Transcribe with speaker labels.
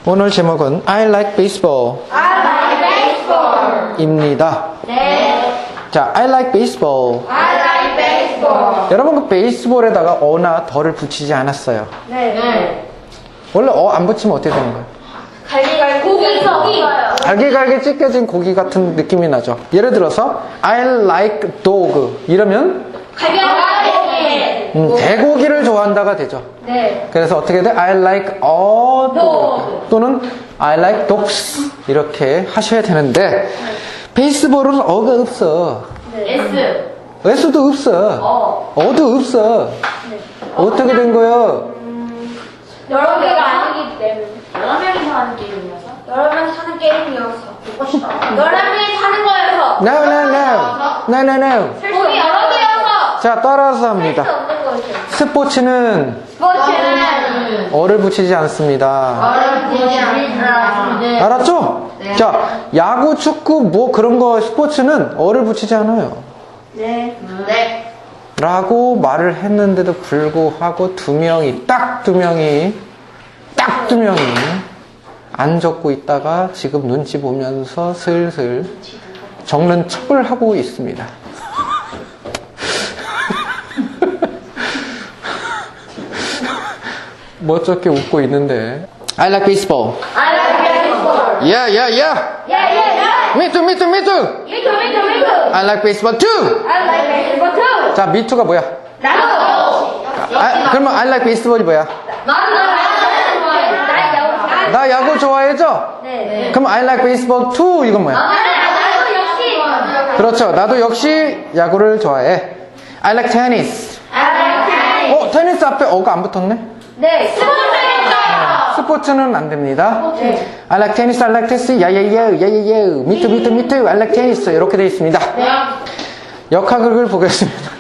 Speaker 1: 오늘 제목은 I like baseball
Speaker 2: I like baseball.
Speaker 1: 입니다.
Speaker 2: 네.
Speaker 1: 자, I like baseball.
Speaker 2: I like baseball.
Speaker 1: 여러분 그 베이스볼에다가 어나 더를 붙이지 않았어요.
Speaker 2: 네.
Speaker 1: 원래 어 안 붙이면 어떻게 되는 거예요?
Speaker 2: 갈기갈기 고기.
Speaker 1: 갈기갈기 찢겨진 고기 같은 느낌이 나죠. 예를 들어서 I like dog 이러면
Speaker 2: 갈기갈기.
Speaker 1: 대고기를 좋아한다가 되죠.
Speaker 2: 네.
Speaker 1: 그래서 어떻게 돼? I like a dog 또는 I like dogs 이렇게 하셔야 되는데 베이스볼은 어가 없어.
Speaker 2: S.
Speaker 1: S도 없어. 어도 없어. 어떻게 된 거예요?
Speaker 2: 여러 개가 아니기 때문에. 여러 명이서 하는 게임이어서? 여러 명이서 하는 게임이어서. 여러 명이 사는 거여서.
Speaker 1: No, no, no. No, no, no.
Speaker 2: 공이 여러 개여서.
Speaker 1: 자, 따라서
Speaker 2: 할 수
Speaker 1: 합니다.
Speaker 2: 없는 거죠.
Speaker 1: 스포츠는
Speaker 2: 스포츠는
Speaker 1: 어를 붙이지 않습니다.
Speaker 2: 어렵지 않습니다.
Speaker 1: 알았죠? 자, 야구, 축구, 뭐 그런 거 스포츠는 어를 붙이지 않아요.
Speaker 2: 네. 네.
Speaker 1: 라고 말을 했는데도 불구하고 딱 두 명이 안 적고 있다가 지금 눈치 보면서 슬슬 적는 척을 하고 있습니다. 멋쩍게 웃고 있는데 I like baseball.
Speaker 2: I like baseball.
Speaker 1: Yeah, yeah, yeah.
Speaker 2: Yeah.
Speaker 1: Me too, me too, me too.
Speaker 2: Me too.
Speaker 1: I like baseball too.
Speaker 2: I like baseball too.
Speaker 1: 자, me too가 뭐야?
Speaker 2: 나도.
Speaker 1: 그러면 I like baseball이 뭐야?
Speaker 2: 나도.
Speaker 1: 나 야구 좋아해죠?
Speaker 2: 네.
Speaker 1: 그럼 I like baseball too 이건 뭐야?
Speaker 2: 나도 역시.
Speaker 1: 그렇죠. 나도 역시 야구를 좋아해. I like tennis.
Speaker 2: I like tennis.
Speaker 1: 테니스 앞에 어가 안 붙었네?
Speaker 2: 네. 스포츠겠어요.
Speaker 1: 스포츠는 안 됩니다. I like tennis, I like tennis, 야야야, me too, me too, me too, I like tennis 이렇게 되어 있습니다.
Speaker 2: 네.
Speaker 1: 역학극을 보겠습니다.